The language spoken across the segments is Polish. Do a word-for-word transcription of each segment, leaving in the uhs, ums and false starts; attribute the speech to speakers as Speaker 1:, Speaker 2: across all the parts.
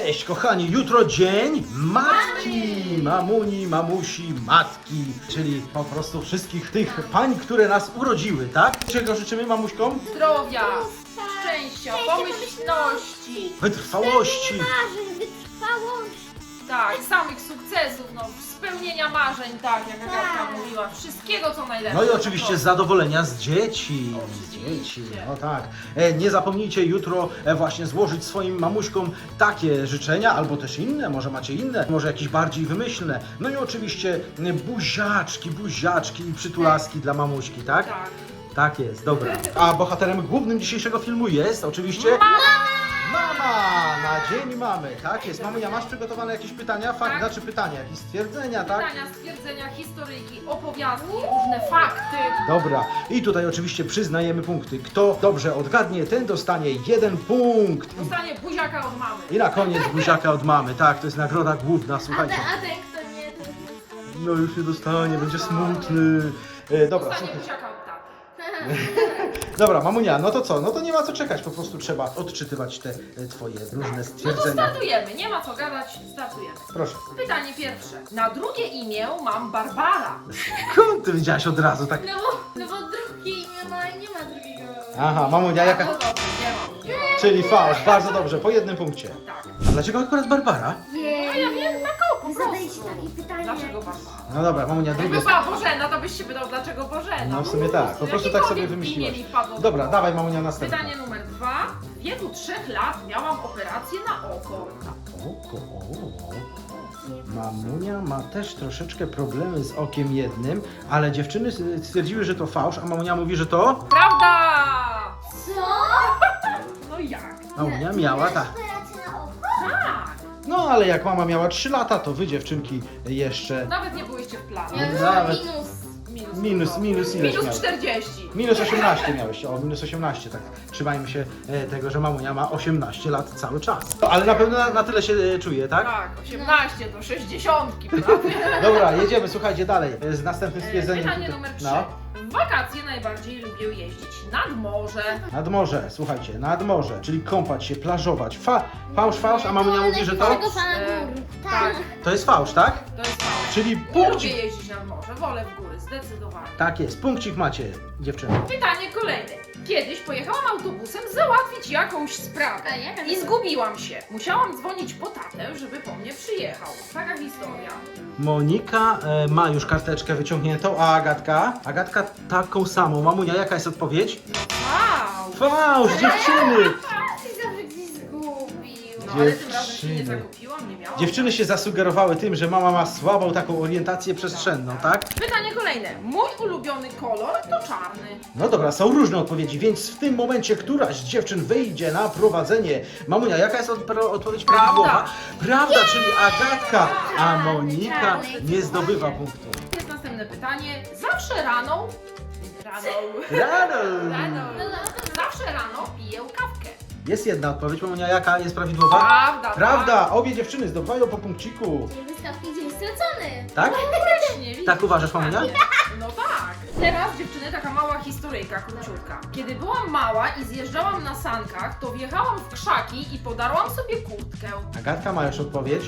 Speaker 1: Cześć kochani, jutro dzień matki, mamuni, mamusi, matki, czyli po prostu wszystkich tych pań, które nas urodziły, tak? Czego życzymy mamuśkom?
Speaker 2: Zdrowia, szczęścia, pomyślności,
Speaker 1: Wytrwałości.
Speaker 3: Marzeń, wytrwałości.
Speaker 2: tak, samych sukcesów, no, spełnienia marzeń, tak, jak Agatka
Speaker 3: Tak.
Speaker 2: mówiła, wszystkiego co najlepsze.
Speaker 1: No i oczywiście zadowolenia z dzieci. Z
Speaker 2: Oczywiście.
Speaker 1: dzieci, no tak. E, nie zapomnijcie jutro e, właśnie złożyć swoim mamuśkom takie życzenia, albo też inne, może macie inne, może jakieś bardziej wymyślne. No i oczywiście e, buziaczki, buziaczki i przytulaski dla mamuśki, tak?
Speaker 2: Tak.
Speaker 1: Tak jest, dobra. A bohaterem głównym dzisiejszego filmu jest oczywiście mama na dzień mamy. Tak jest. Mamunia, masz przygotowane jakieś pytania? Fakt,
Speaker 2: Tak.
Speaker 1: znaczy pytania, jakieś stwierdzenia, tak?
Speaker 2: Pytania, stwierdzenia, historyjki, opowiastki, różne fakty.
Speaker 1: Dobra. I tutaj oczywiście przyznajemy punkty. Kto dobrze odgadnie, ten dostanie jeden punkt.
Speaker 2: Dostanie buziaka od mamy.
Speaker 1: I na koniec buziaka od mamy. Tak, to jest nagroda główna,
Speaker 3: A,
Speaker 1: słuchajcie.
Speaker 3: te, a ten kto nie, to
Speaker 1: No już nie dostanie, będzie smutny. E, dobra,
Speaker 2: Dostanie
Speaker 1: słuchaj.
Speaker 2: buziaka od taty.
Speaker 1: Dobra, mamunia, no to co? No to nie ma co czekać, po prostu trzeba odczytywać te e, twoje różne
Speaker 2: No to
Speaker 1: stwierdzenia.
Speaker 2: startujemy, nie ma co gadać, startujemy.
Speaker 1: Proszę.
Speaker 2: Pytanie pierwsze. Na drugie imię mam Barbara.
Speaker 1: Skąd ty wiedziałaś od razu tak?
Speaker 3: No bo, no bo drugie imię ma i nie ma drugiego.
Speaker 1: Aha, mamunia,
Speaker 2: No
Speaker 1: jaka...
Speaker 2: dobrze, nie mam, nie mam.
Speaker 1: Czyli fałsz, bardzo dobrze, po jednym punkcie.
Speaker 2: Tak.
Speaker 1: A dlaczego akurat Barbara?
Speaker 3: Nie,
Speaker 2: A ja wiem, tak o, po
Speaker 3: zadajcie
Speaker 2: prostu.
Speaker 3: takie pytanie.
Speaker 2: Dlaczego Barbara?
Speaker 1: No dobra, mamunia, drugie...
Speaker 2: Jakby była Bożena, to byś się pytał, dlaczego Bożena.
Speaker 1: No w sumie tak, po prostu tak sobie
Speaker 2: Jakiekolwiek
Speaker 1: wymyśliłaś.
Speaker 2: imię mi wpadło do
Speaker 1: Dobra,
Speaker 2: głowy.
Speaker 1: dawaj mamunia następne.
Speaker 2: Pytanie numer dwa. W wieku trzech lat miałam operację na oko.
Speaker 1: Oko, o. Mamunia ma też troszeczkę problemy z okiem jednym, ale dziewczyny stwierdziły, że to fałsz, a mamunia mówi, że to...
Speaker 2: Prawda!
Speaker 3: Co?
Speaker 2: No jak?
Speaker 1: Mamunia miała, tak.
Speaker 3: Operację na oko?
Speaker 2: Tak!
Speaker 1: No ale jak mama miała trzy lata, to wy dziewczynki jeszcze...
Speaker 2: Nawet nie byłyście w planie.
Speaker 3: Ja już
Speaker 1: Nawet-
Speaker 3: mam minus.
Speaker 2: Minus,
Speaker 1: Minus, minus ileś
Speaker 2: Minus
Speaker 1: miałeś?
Speaker 2: czterdzieści.
Speaker 1: Minus osiemnaście miałeś, o minus osiemnaście, tak. Trzymajmy się e, tego, że mamunia ma osiemnaście lat cały czas. No, ale na pewno na, na tyle się e, czuje, tak?
Speaker 2: Tak, osiemnaście do sześćdziesiątki, prawie.
Speaker 1: Dobra, jedziemy, słuchajcie, dalej e, z następnym
Speaker 2: E,
Speaker 1: stwierdzeniem.
Speaker 2: Pytanie
Speaker 1: tutaj.
Speaker 2: numer trzy.
Speaker 1: No,
Speaker 2: W wakacje najbardziej lubię jeździć nad morze.
Speaker 1: nad morze, słuchajcie, nad morze, czyli kąpać się, plażować. Fa, fałsz, fałsz, a mamunia mówi, że to...
Speaker 3: Tego pana
Speaker 2: E,
Speaker 3: gór.
Speaker 2: tak.
Speaker 1: To jest fałsz, tak?
Speaker 2: To jest mało.
Speaker 1: Czyli
Speaker 2: Nie lubię
Speaker 1: punkcik.
Speaker 2: jeździć nad morze, wolę w góry, zdecydowanie.
Speaker 1: Tak jest, punkcik macie, dziewczyny.
Speaker 2: Pytanie kolejne. Kiedyś pojechałam autobusem załatwić jakąś sprawę
Speaker 3: A jaka
Speaker 2: i
Speaker 3: to?
Speaker 2: zgubiłam się. Musiałam dzwonić po tatę, żeby po mnie przyjechał. Taka historia.
Speaker 1: Monika e, ma już karteczkę wyciągniętą, a Agatka? Agatka taką samą. Mamunia, jaka jest odpowiedź?
Speaker 2: Wow!
Speaker 1: Fałsz, dziewczyny!
Speaker 3: Ty zawsze gdzieś zgubił.
Speaker 2: No ale tym razem się nie
Speaker 1: Dziewczyny.
Speaker 2: zakupiłam, nie miałam.
Speaker 1: Dziewczyny się zasugerowały tym, że mama ma słabą taką orientację przestrzenną, tak?
Speaker 2: Pytanie kolejne. Mój ulubiony kolor to czarny.
Speaker 1: No dobra, są różne odpowiedzi, więc w tym momencie któraś z dziewczyn wyjdzie na prowadzenie. Mamunia, jaka jest odpro- odpowiedź
Speaker 2: Prawda.
Speaker 1: prawidłowa? Prawda, czyli Agatka, a Monika nie zdobywa punktu.
Speaker 2: Jest następne pytanie. Zawsze rano... Rano...
Speaker 1: Rano!
Speaker 2: Rano...
Speaker 3: No, no, to
Speaker 2: Zawsze rano piję kawkę.
Speaker 1: Jest jedna odpowiedź, Mamunia, jaka jest prawidłowa?
Speaker 2: Prawda,
Speaker 1: Prawda, obie dziewczyny zdobywają po punkciku.
Speaker 3: nie wyskawki dzień stracony.
Speaker 1: Tak?
Speaker 2: Faktycznie, widzisz?
Speaker 1: Tak uważasz, Mamunia?
Speaker 2: No tak. Teraz dziewczyny taka mała historyjka, króciutka. Kiedy byłam mała i zjeżdżałam na sankach, to wjechałam w krzaki i podarłam sobie kurtkę.
Speaker 1: Agatka ma już odpowiedź,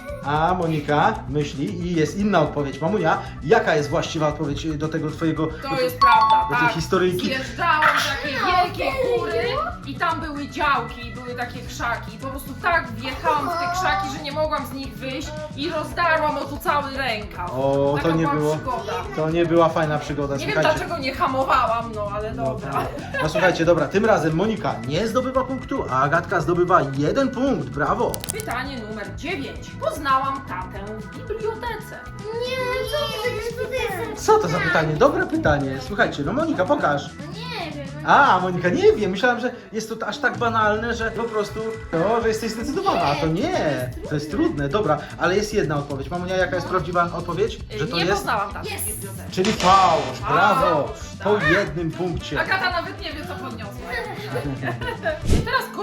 Speaker 1: a Monika myśli i jest inna odpowiedź. Mamunia, jaka jest właściwa odpowiedź do tego twojego...
Speaker 2: To jest prawda,
Speaker 1: do tej
Speaker 2: tak.
Speaker 1: historyjki.
Speaker 2: Zjeżdżałam takie wielkie góry i tam były działki, były takie krzaki. I po prostu tak wjechałam w te krzaki, że nie mogłam z nich wyjść i rozdarłam o tu cały rękaw.
Speaker 1: O,
Speaker 2: Taka
Speaker 1: to nie
Speaker 2: była
Speaker 1: było...
Speaker 2: przygoda.
Speaker 1: To nie była fajna przygoda,
Speaker 2: Nie wiem
Speaker 1: słuchajcie.
Speaker 2: dlaczego nie hamowałam, no ale dobra.
Speaker 1: No słuchajcie, dobra, tym razem Monika nie zdobywa punktu, a Agatka zdobywa jeden punkt, brawo!
Speaker 2: Pytanie numer dziewięć. Poznałam tatę w bibliotece.
Speaker 3: Nie, co ty będziesz
Speaker 1: Co to za pytanie? Dobre pytanie. Słuchajcie, no Monika, pokaż.
Speaker 3: Nie wiem.
Speaker 1: A, Monika, nie wiem, myślałam, że jest to aż tak banalne, że po prostu, no, że jesteś zdecydowana, a to nie, to jest trudne, dobra, ale jest jedna odpowiedź. Mamunia, jaka jest prawdziwa odpowiedź? Że to
Speaker 2: nie
Speaker 1: jest?
Speaker 2: poznałam taty w
Speaker 3: Jest.
Speaker 2: bibliotece.
Speaker 1: Czyli fałsz, brawo,
Speaker 2: Fałsz,
Speaker 1: po
Speaker 2: tak.
Speaker 1: jednym punkcie.
Speaker 2: Agata nawet nie wie co podniosła. Teraz kolejna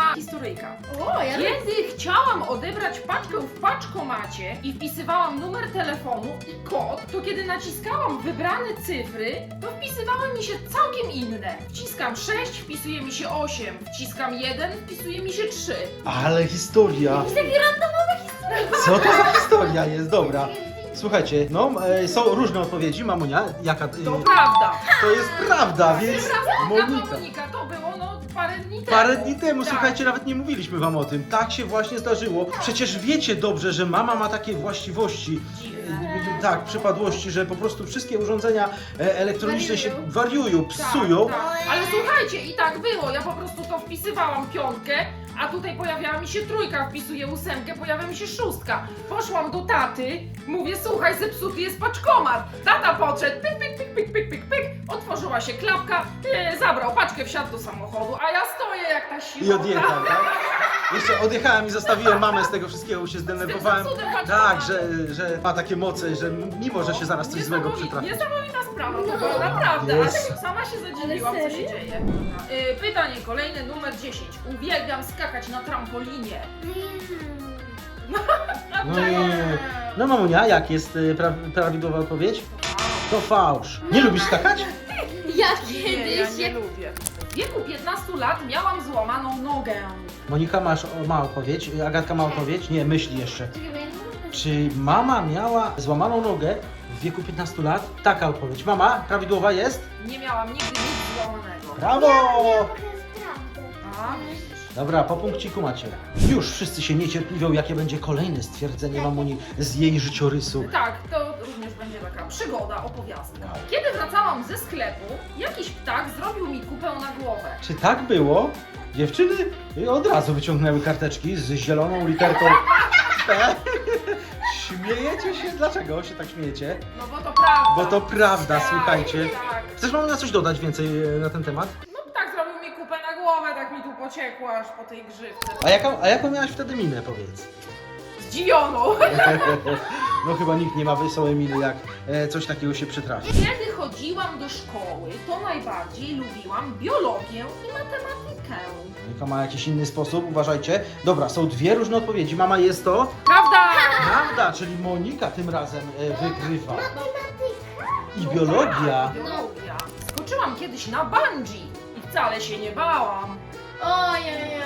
Speaker 2: Kolejna historyjka.
Speaker 3: O, ja
Speaker 2: Kiedy chciałam odebrać paczkę w paczkomacie i wpisywałam numer telefonu i kod, to kiedy naciskałam wybrane cyfry, to wpisywały mi się całkiem inne. Wciskam sześć, wpisuje mi się osiem, wciskam jeden, wpisuje mi się trzy.
Speaker 1: Ale historia.
Speaker 3: Jakieś takie randomowe historie.
Speaker 1: Co to za historia jest? Dobra. Słuchajcie, no e, są różne odpowiedzi, mamunia, jaka... e,
Speaker 2: To prawda.
Speaker 1: To jest prawda, więc
Speaker 2: Monika.
Speaker 1: Monika.
Speaker 2: Monika, to było no parę dni temu.
Speaker 1: Parę dni temu,
Speaker 2: Tak.
Speaker 1: słuchajcie, nawet nie mówiliśmy wam o tym. Tak się właśnie zdarzyło. Przecież wiecie dobrze, że mama ma takie właściwości,
Speaker 2: Dziwne.
Speaker 1: e, tak, przypadłości, że po prostu wszystkie urządzenia e, elektroniczne się
Speaker 3: Wariują.
Speaker 1: wariują, psują.
Speaker 2: Tak, tak. Ale słuchajcie, i tak było. Ja po prostu to wpisywałam piątkę, a tutaj pojawiała mi się trójka, wpisuję ósemkę, pojawia mi się szóstka. Poszłam do taty, mówię, słuchaj, zepsuty jest paczkomat. Tata podszedł, pyk, pyk, pyk, pyk, pyk, pyk, pyk. Otworzyła się klapka, e, zabrał paczkę, wsiadł do samochodu, a ja stoję jak ta siła.
Speaker 1: I odjechał, tak? Jeszcze odjechałem i zostawiłem mamę z tego wszystkiego, bo się zdenerwowałem.
Speaker 2: Z tym zepsutym paczkomatem.
Speaker 1: Tak, że, że ma takie moce, że mimo, że się zaraz coś złego
Speaker 2: Niesamowita-
Speaker 1: przytrafi.
Speaker 2: Niesamowita sprawa, to była naprawdę, ale
Speaker 1: Jest.
Speaker 2: sama się zadziwiłam, co
Speaker 3: Ale
Speaker 2: się
Speaker 3: serio?
Speaker 2: dzieje. Y, pytanie kolejne, numer dziesięć. Uwielbiam skakać na trampolinie.
Speaker 1: No nie. No mamunia, jak jest y, pra prawidłowa odpowiedź? To fałsz. Nie lubisz skakać?
Speaker 3: Ja
Speaker 2: Nie, ja
Speaker 3: kiedyś,
Speaker 2: nie
Speaker 3: jak
Speaker 2: lubię. W wieku piętnastu lat miałam złamaną nogę.
Speaker 1: Monika masz, o, ma odpowiedź, Agatka ma odpowiedź? Nie, myśli jeszcze.
Speaker 3: Czekaj, bo ja nie mogę.
Speaker 1: Czy mama miała złamaną nogę w wieku piętnastu lat? Taka odpowiedź. Mama, prawidłowa jest?
Speaker 2: Nie miałam nigdy nic złamanego.
Speaker 1: Brawo!
Speaker 3: To jest prawda.
Speaker 2: A, widzisz.
Speaker 1: Dobra, po punkciku macie. Już wszyscy się niecierpliwią, jakie będzie kolejne stwierdzenie mamuni z jej życiorysu.
Speaker 2: Tak, to również będzie taka przygoda, opowiastka.
Speaker 1: Wow.
Speaker 2: Kiedy wracałam ze sklepu, jakiś ptak zrobił mi kupę na głowę.
Speaker 1: Czy tak było? Dziewczyny od razu wyciągnęły karteczki z zieloną literką P. Śmiejecie się? Dlaczego się tak śmiejecie?
Speaker 2: No bo to prawda.
Speaker 1: Bo to prawda,
Speaker 2: Tak,
Speaker 1: słuchajcie.
Speaker 2: Tak.
Speaker 1: Chcesz mam na coś dodać więcej e, na ten temat?
Speaker 2: No tak zrobił mi kupę na głowę, tak mi tu pociekło aż po tej grzywce.
Speaker 1: A jaką, a jaką miałaś wtedy minę, powiedz?
Speaker 2: Zdziwioną.
Speaker 1: No chyba nikt nie ma wesołej miny, jak e, coś takiego się przytrafi.
Speaker 2: Kiedy chodziłam do szkoły, to najbardziej lubiłam biologię i matematykę.
Speaker 1: Monika ma jakiś inny sposób, uważajcie. Dobra, są dwie różne odpowiedzi. Mama jest to?
Speaker 2: Prawda?
Speaker 1: Prawda, czyli Monika tym razem e, wygrywa. I
Speaker 2: No
Speaker 1: biologia.
Speaker 2: tak, biologia. Skoczyłam kiedyś na bungee i wcale się nie bałam.
Speaker 3: Ojej,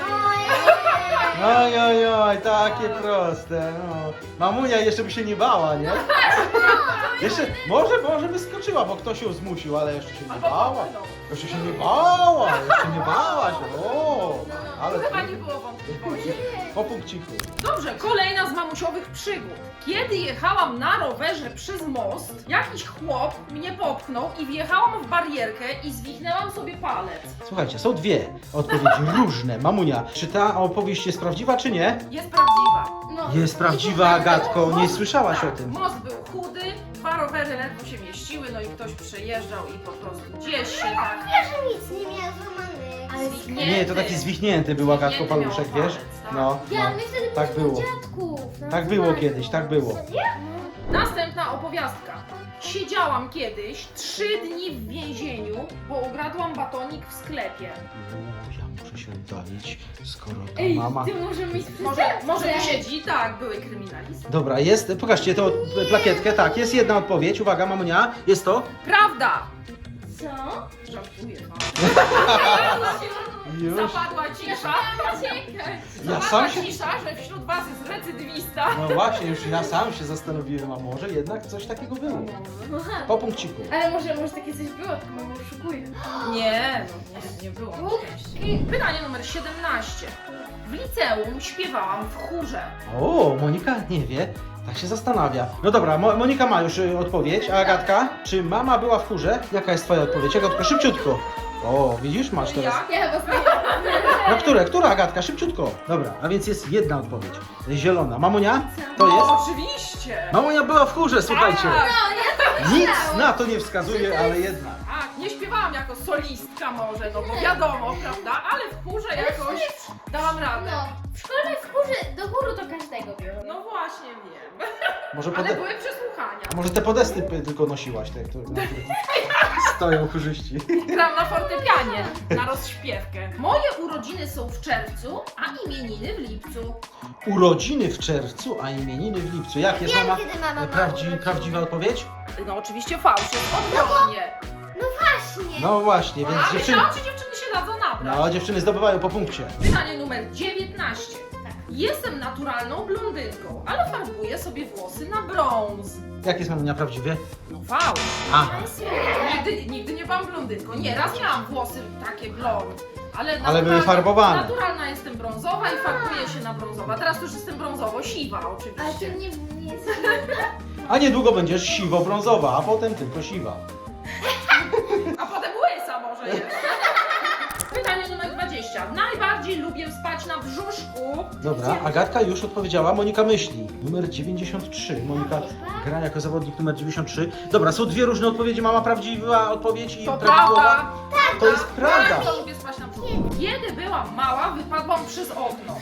Speaker 1: Oj, oj, oj, takie proste. No. Mamunia jeszcze by się nie bała, nie? Jeszcze, może, może by skoczyła, bo ktoś ją zmusił, ale jeszcze się nie
Speaker 2: Albo
Speaker 1: bała.
Speaker 2: popchnął.
Speaker 1: Jeszcze się nie bała, jeszcze nie bała się. O, ale
Speaker 2: Chyba nie było wątpliwości.
Speaker 1: po punkciku.
Speaker 2: Dobrze, kolejna z mamusiowych przygód. Kiedy jechałam na rowerze przez most, jakiś chłop mnie popchnął i wjechałam w barierkę i zwichnęłam sobie palec.
Speaker 1: Słuchajcie, są dwie odpowiedzi różne. Mamunia, czy ta opowieść jest prawdziwa, czy nie?
Speaker 2: Jest prawdziwa.
Speaker 3: No.
Speaker 1: Jest prawdziwa, Agatko, nie słyszałaś
Speaker 2: tak,
Speaker 1: o tym.
Speaker 2: Most był chudy, dwa rowery ledwo się mieściły, no i ktoś przejeżdżał i po prostu gdzieś się tak...
Speaker 3: Nic nie miała złamanych. Ale
Speaker 2: Zwichnięty.
Speaker 1: Nie, to taki zwichnięty był, Agatko,
Speaker 2: Zwichnięty miał
Speaker 1: paluszek, wiesz?
Speaker 2: palec, tak.
Speaker 1: No,
Speaker 3: Ja,
Speaker 1: no.
Speaker 3: my wtedy
Speaker 1: Tak
Speaker 3: byliśmy u
Speaker 1: było.
Speaker 3: dziadków. na
Speaker 1: Tak było
Speaker 3: wyzwaniu.
Speaker 1: kiedyś, tak było.
Speaker 2: Następna opowiastka. Siedziałam kiedyś trzy dni w więzieniu, bo ukradłam batonik w sklepie.
Speaker 1: O, ja muszę się oddalić, skoro to
Speaker 3: Ej,
Speaker 1: mama...
Speaker 3: ty może mieć
Speaker 2: Może, może tu
Speaker 3: przestępstwo.
Speaker 2: siedzi? Tak, były kryminalisty.
Speaker 1: Dobra, jest, pokażcie tą plakietkę, tak, jest jedna odpowiedź, uwaga, mamunia, jest to?
Speaker 2: Prawda!
Speaker 3: Co?
Speaker 2: Żartuję.
Speaker 1: Już.
Speaker 2: Zapadła cisza.
Speaker 3: Uciekać.
Speaker 1: Ja
Speaker 2: Zapadła
Speaker 1: sam się...
Speaker 2: cisza, że wśród was jest recydywista.
Speaker 1: No właśnie, już ja sam się zastanowiłem, a może jednak coś takiego było.
Speaker 3: Aha.
Speaker 1: Po punkciku.
Speaker 3: Ale może, może takie coś było, tylko mama oszukuje.
Speaker 2: Nie, no nie, nie było na szczęście. Pytanie numer siedemnaście. W liceum śpiewałam w chórze.
Speaker 1: O, Monika nie wie, tak się zastanawia. No dobra, Mo Monika ma już y, odpowiedź, a Agatka? Czy mama była w chórze? Jaka jest twoja odpowiedź? Agatko, szybciutko. O, widzisz, masz teraz.
Speaker 2: Jak?
Speaker 3: Ja chyba sobie...
Speaker 1: No które, która Agatka? Szybciutko. Dobra, a więc jest jedna odpowiedź. Zielona. Mamunia? To
Speaker 2: No,
Speaker 1: jest?
Speaker 2: oczywiście.
Speaker 1: Mamunia była w chórze, słuchajcie.
Speaker 2: Tak,
Speaker 1: Nic na to nie wskazuje, ale jednak.
Speaker 2: tak, nie śpiewałam jako solistka może, no bo wiadomo, prawda? Ale w chórze jakoś dałam radę.
Speaker 3: No, w szkole w górze, do góry to każdego biorą.
Speaker 2: No właśnie wiem.
Speaker 1: Może,
Speaker 2: Ale
Speaker 1: pode...
Speaker 2: były przesłuchania.
Speaker 1: A może te podesty p- tylko nosiłaś, te, które na których stoją chórzyści.
Speaker 2: Gram na fortepianie, na rozśpiewkę. Moje urodziny są w czerwcu, a imieniny w lipcu.
Speaker 1: Urodziny w czerwcu, a imieniny w lipcu. Jak jest
Speaker 3: Wiem,
Speaker 1: mama?
Speaker 3: kiedy mama ma
Speaker 1: Prawdzi...
Speaker 3: urodziny.
Speaker 1: Prawdziwa odpowiedź?
Speaker 2: No oczywiście fałsz, jest odwrotnie.
Speaker 3: No właśnie.
Speaker 1: No właśnie, więc
Speaker 2: A
Speaker 1: dziewczyny...
Speaker 2: myślałam, że dziewczyny się dadzą nabrać.
Speaker 1: No, dziewczyny zdobywają po punkcie.
Speaker 2: Pytanie numer dziewiętnaście.
Speaker 3: Tak.
Speaker 2: Jestem naturalną blondynką, ale farbuję sobie włosy na brąz.
Speaker 1: Jak jest mamunia prawdziwie?
Speaker 2: No fałsz.
Speaker 1: A,
Speaker 2: Nigdy, nigdy nie byłam blondynką. Nie, raz miałam włosy takie blond. Ale,
Speaker 1: Ale
Speaker 2: naturalna-
Speaker 1: były farbowane.
Speaker 2: Naturalna jestem brązowa i farbuję się na brązowa. Teraz już jestem brązowo-siwa
Speaker 3: Ale
Speaker 2: oczywiście.
Speaker 3: ty nie, nie jest...
Speaker 1: a niedługo będziesz siwo-brązowa, a potem tylko siwa.
Speaker 2: A potem łysa może jeszcze. Pytanie numer dwadzieścia. Najbardziej lubię spać na brzuszku.
Speaker 1: Dobra, Agatka już odpowiedziała, Monika myśli. Numer dziewięćdziesiąt trzy. Monika gra jako zawodnik numer dziewięćdziesiąt trzy. Dobra, są dwie różne odpowiedzi. Mama prawdziwa odpowiedź i
Speaker 2: To
Speaker 1: prawidłowa.
Speaker 2: prawda.
Speaker 1: To jest prawda.
Speaker 2: Bardzo lubię spać na brzuszku. Kiedy byłam mała, wypadłam przez okno.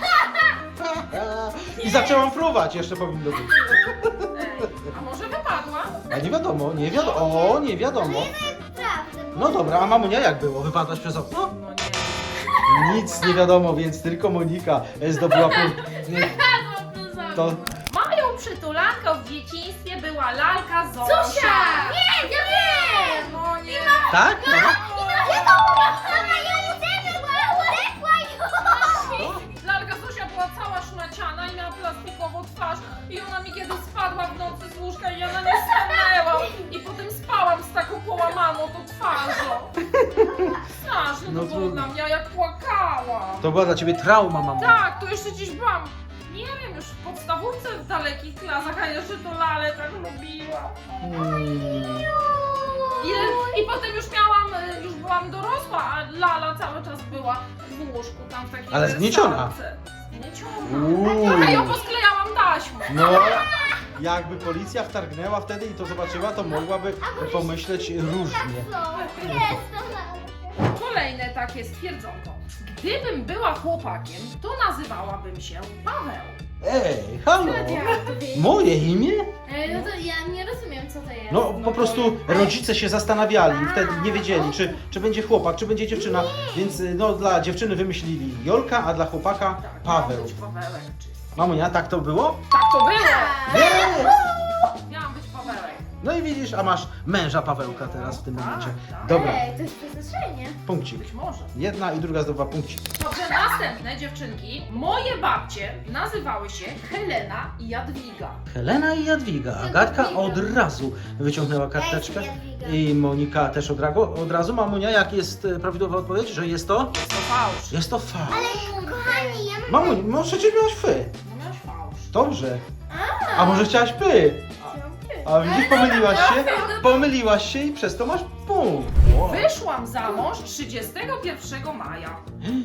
Speaker 1: I zaczęłam fruwać, jeszcze powinno być.
Speaker 2: Ej, a może wypadła?
Speaker 1: A nie wiadomo, nie wiadomo, o, nie wiadomo.
Speaker 3: Prawda.
Speaker 1: No dobra, a mamunia jak było? Wypadłaś przez okno?
Speaker 2: No nie.
Speaker 1: Nic nie wiadomo, więc tylko Monika zdobyła punkt. Nie, to
Speaker 2: Moją przytulanką w dzieciństwie była lalka Zosia.
Speaker 3: Zosia! Nie, ja wiem!
Speaker 2: No nie.
Speaker 1: tak? Mama?
Speaker 2: Lalka Zosia była cała szmaciana i miała plastikową twarz i ona mi kiedyś spadła w nocy z łóżka i ja na nie stanęłam i potem spałam z taką połamaną tą twarzą. Straszne
Speaker 1: No
Speaker 2: to było
Speaker 1: trudno.
Speaker 2: dla mnie, a jak płakałam.
Speaker 1: To była dla ciebie trauma, mamo.
Speaker 2: Tak, to jeszcze gdzieś byłam, nie wiem, już w podstawówce w dalekich klasach, a jeszcze to lalę tak lubiłam.
Speaker 1: Hmm.
Speaker 2: I, I potem już miałam, y, już byłam dorosła, a lala cały czas była w łóżku tam w takiej
Speaker 1: Ale zgnieciona.
Speaker 2: wersalce. Zgnieciona.
Speaker 1: Uuu.
Speaker 2: Trochę ją posklejałam taśmą.
Speaker 1: No, jakby policja wtargnęła wtedy i to zobaczyła, to mogłaby pomyśleć różnie.
Speaker 2: Kolejne takie stwierdzonko. Gdybym była chłopakiem, to nazywałabym się Paweł.
Speaker 1: Ej, halo!
Speaker 3: Moje.
Speaker 1: Moje imię?
Speaker 3: No to ja nie rozumiem, co to jest.
Speaker 1: No po prostu rodzice się zastanawiali i wtedy nie wiedzieli, czy, czy będzie chłopak, czy będzie dziewczyna, więc no dla dziewczyny wymyślili Jolka, a dla chłopaka
Speaker 2: Tak,
Speaker 1: Paweł.
Speaker 2: miałam być Pawełek. Czy...
Speaker 1: Mamunia, tak to było?
Speaker 2: Tak to było!
Speaker 1: Nie!
Speaker 2: Miałam być Pawełek.
Speaker 1: No i widzisz, a masz męża Pawełka teraz w tym
Speaker 2: Tak,
Speaker 1: momencie.
Speaker 2: tak.
Speaker 1: Dobra,
Speaker 3: Ej, to jest przeznaczenie.
Speaker 1: punkcik.
Speaker 2: Być może.
Speaker 1: Jedna i druga zdobywa punkcik.
Speaker 2: Dobrze, następne dziewczynki. Moje babcie nazywały się Helena i Jadwiga.
Speaker 1: Helena i Jadwiga. Agatka od razu wyciągnęła karteczkę.
Speaker 3: Ja jestem Jadwiga.
Speaker 1: I Monika też od razu. Od razu. Mamunia, jak jest e, prawidłowa odpowiedź, że jest to?
Speaker 2: Jest to fałsz.
Speaker 1: Jest to fałsz.
Speaker 3: Kochani, ja mam...
Speaker 1: Mamunia, no przecież miałaś fy.
Speaker 2: No miałeś fałsz.
Speaker 1: Dobrze. A może chciałaś py? A widzisz, pomyliłaś się? Pomyliłaś się i przez to masz punkt. Wow.
Speaker 2: Wyszłam za mąż trzydziestego pierwszego maja.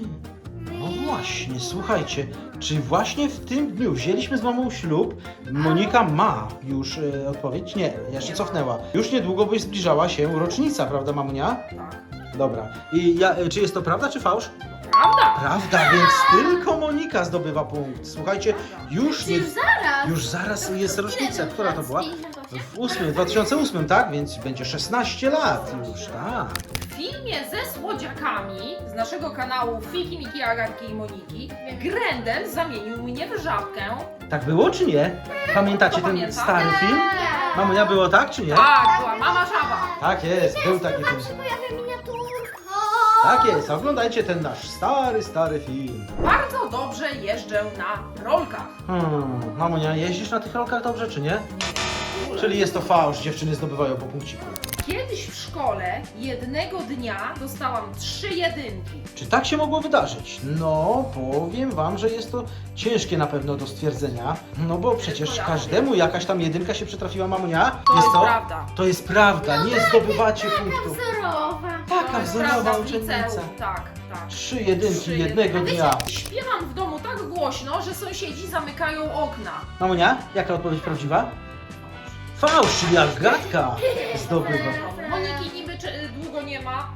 Speaker 1: No właśnie, słuchajcie, czy właśnie w tym dniu wzięliśmy z mamą ślub? Monika ma już e, odpowiedź? Nie, jeszcze
Speaker 2: Nie
Speaker 1: cofnęła. Już niedługo by zbliżała się rocznica, prawda mamunia?
Speaker 2: Tak.
Speaker 1: Dobra. I ja, e, czy jest to prawda, czy fałsz?
Speaker 2: Prawda?
Speaker 1: Prawda, więc tylko Monika zdobywa punkt. Słuchajcie, już nie...
Speaker 3: Już zaraz.
Speaker 1: Już zaraz jest rocznica.
Speaker 3: Ile
Speaker 1: Która to
Speaker 3: lat?
Speaker 1: była?
Speaker 3: pięćdziesiąt osiem?
Speaker 1: W ósmym, dwa tysiące ósmym, tak? Więc będzie szesnaście lat już, tak.
Speaker 2: W filmie ze słodziakami z naszego kanału Fiki, Miki, Agatki i Moniki Grendel zamienił mnie w żabkę.
Speaker 1: Tak było, czy nie? Pamiętacie
Speaker 2: Kto
Speaker 1: ten
Speaker 2: pamięta?
Speaker 1: stary film?
Speaker 3: Tak.
Speaker 1: Mamunia, było tak, czy nie?
Speaker 2: Tak, była mama żaba.
Speaker 1: Tak jest, był taki film.
Speaker 3: Się pojawia miniaturka.
Speaker 1: Tak jest, oglądajcie ten nasz stary, stary film.
Speaker 2: Bardzo dobrze jeżdżę na rolkach.
Speaker 1: Hmm, mamunia, jeździsz na tych rolkach dobrze, czy nie?
Speaker 2: Nie.
Speaker 1: Czyli jest to fałsz, dziewczyny zdobywają po punkciku.
Speaker 2: Kiedyś w szkole jednego dnia dostałam trzy jedynki.
Speaker 1: Czy tak się mogło wydarzyć? No, powiem wam, że jest to ciężkie na pewno do stwierdzenia. No bo przecież
Speaker 2: ja
Speaker 1: każdemu jakaś tam jedynka się przytrafiła, mamunia.
Speaker 2: To jest
Speaker 1: to?
Speaker 2: prawda.
Speaker 1: To jest prawda, nie zdobywacie punktów.
Speaker 3: Wzorowa.
Speaker 1: Taka
Speaker 2: To jest
Speaker 1: wzorowa
Speaker 2: prawda w
Speaker 1: uczennica.
Speaker 2: liceum. Tak, tak.
Speaker 1: Trzy jedynki
Speaker 2: Trzy
Speaker 1: jednego
Speaker 2: jedynki.
Speaker 1: dnia.
Speaker 2: Śpiewam w domu tak głośno, że sąsiedzi zamykają okna.
Speaker 1: Mamunia, jaka odpowiedź prawdziwa? Fałsz, czyli Agatka zdobywa.
Speaker 2: Moniki niby czy, długo nie ma w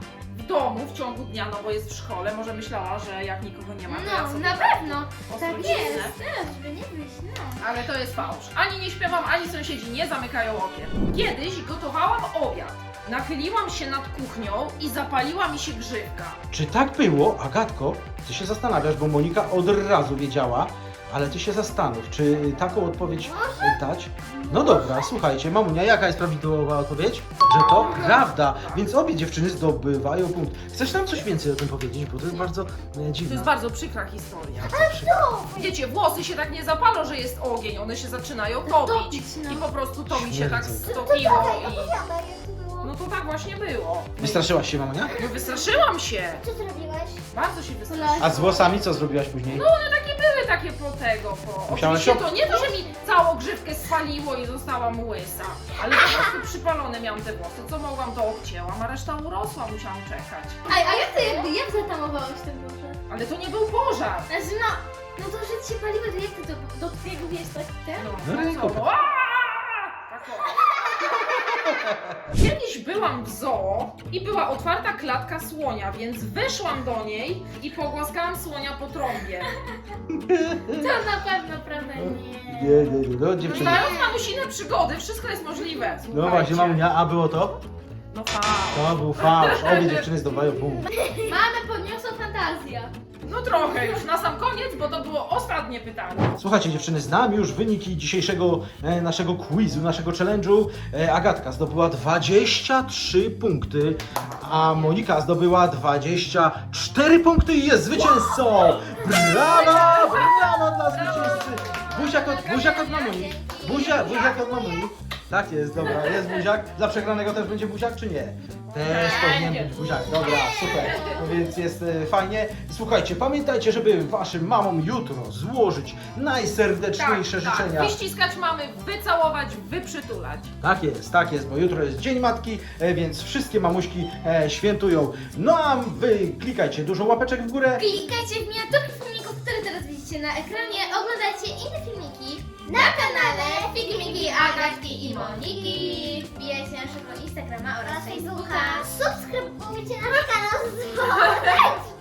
Speaker 2: w domu w ciągu dnia, no bo jest w szkole, może myślała, że jak nikogo nie ma, to ja
Speaker 3: No,
Speaker 2: sobie
Speaker 3: na pewno.
Speaker 2: po
Speaker 3: Tak
Speaker 2: prostu
Speaker 3: jest.
Speaker 2: cisnę.
Speaker 3: Teraz, żeby nie wyjść, no.
Speaker 2: Ale to jest fałsz. Ani nie śpiewam, ani sąsiedzi nie zamykają okien. Kiedyś gotowałam obiad. Nachyliłam się nad kuchnią i zapaliła mi się grzywka.
Speaker 1: Czy tak było, Agatko? Ty się zastanawiasz, bo Monika od razu wiedziała, ale ty się zastanów, czy taką odpowiedź dać? No dobra, słuchajcie, mamunia, jaka jest prawidłowa odpowiedź? Że to prawda, więc obie dziewczyny zdobywają punkt. Chcesz nam coś więcej o tym powiedzieć, bo to jest bardzo e,
Speaker 2: To
Speaker 1: dziwne.
Speaker 2: jest bardzo przykra historia.
Speaker 3: No,
Speaker 2: Wiecie, włosy się tak nie zapalą, że jest ogień, one się zaczynają topić.
Speaker 3: Topić, no.
Speaker 2: I po prostu to mi się tak
Speaker 1: Śmierdzą.
Speaker 2: stopiło i...
Speaker 3: opowiadaj, jak to było.
Speaker 2: No to tak właśnie było.
Speaker 1: Wystraszyłaś się, mamunia?
Speaker 2: No wystraszyłam się.
Speaker 3: Co zrobiłeś?
Speaker 2: Bardzo się wystraszyłam.
Speaker 1: A z włosami co zrobiłaś później?
Speaker 2: No one takie były, takie po tego, po...
Speaker 1: Musiałaś
Speaker 2: Oczywiście
Speaker 1: się-
Speaker 2: to nie to, że mi całą grzywkę spaliło i zostałam łysa, ale po prostu przypalone miałam te włosy. Co mogłam, to obcięłam, a reszta urosła, musiałam czekać.
Speaker 3: A, a jak ty, jakby, jak zatamowałeś ten pożar?
Speaker 2: Ale to nie był pożar.
Speaker 3: Znaczy no, no to, że ci się paliły, to jak ty to do twojego wiesz, tak? Ten?
Speaker 2: No,
Speaker 1: No,
Speaker 2: tak
Speaker 1: ręką.
Speaker 2: samo. Aaa! Tak o. Kiedyś byłam w zoo i była otwarta klatka słonia, więc weszłam do niej i pogłaskałam słonia po trąbie.
Speaker 3: To na pewno, prawda? Nie.
Speaker 1: Nie, nie, nie, no dziewczyny.
Speaker 2: Znając mamusine przygody, wszystko jest możliwe.
Speaker 1: No
Speaker 2: Słuchajcie.
Speaker 1: właśnie, mamunia, a było to?
Speaker 2: No fał.
Speaker 1: To był fałsz, obie dziewczyny zdobywają punkt.
Speaker 3: Mamy podniosą fantazję.
Speaker 2: No trochę już, na sam koniec, bo to było ostatnie pytanie.
Speaker 1: Słuchajcie dziewczyny, znam już wyniki dzisiejszego e, naszego quizu, naszego challenge'u. E, Agatka zdobyła dwadzieścia trzy punkty, a Monika zdobyła dwadzieścia cztery punkty i jest zwycięzcą! Brawa! Brawa dla zwycięzcy! Buziak od, buziak od mamuni. Buzia, buziak od mamuni. Tak jest, dobra, jest buziak. Dla przegranego też będzie buziak, czy nie? Też powinien być buziak, dobra, super. No więc jest e, fajnie. Słuchajcie, pamiętajcie, żeby waszym mamom jutro złożyć najserdeczniejsze życzenia.
Speaker 2: Wyściskać mamy, wycałować, wyprzytulać.
Speaker 1: Tak jest, tak jest, bo jutro jest Dzień Matki, e, więc wszystkie mamuśki e, świętują. No a wy klikajcie dużo łapeczek w górę.
Speaker 3: Klikajcie w miniaturki filmików, które teraz widzicie na ekranie. Oglądajcie inne filmiki na kanale Figmiki, Agatki i Moniki. Wbijajcie na naszego Instagrama oraz Facebooka. Subskrybujcie nasz kanał z dzwonem.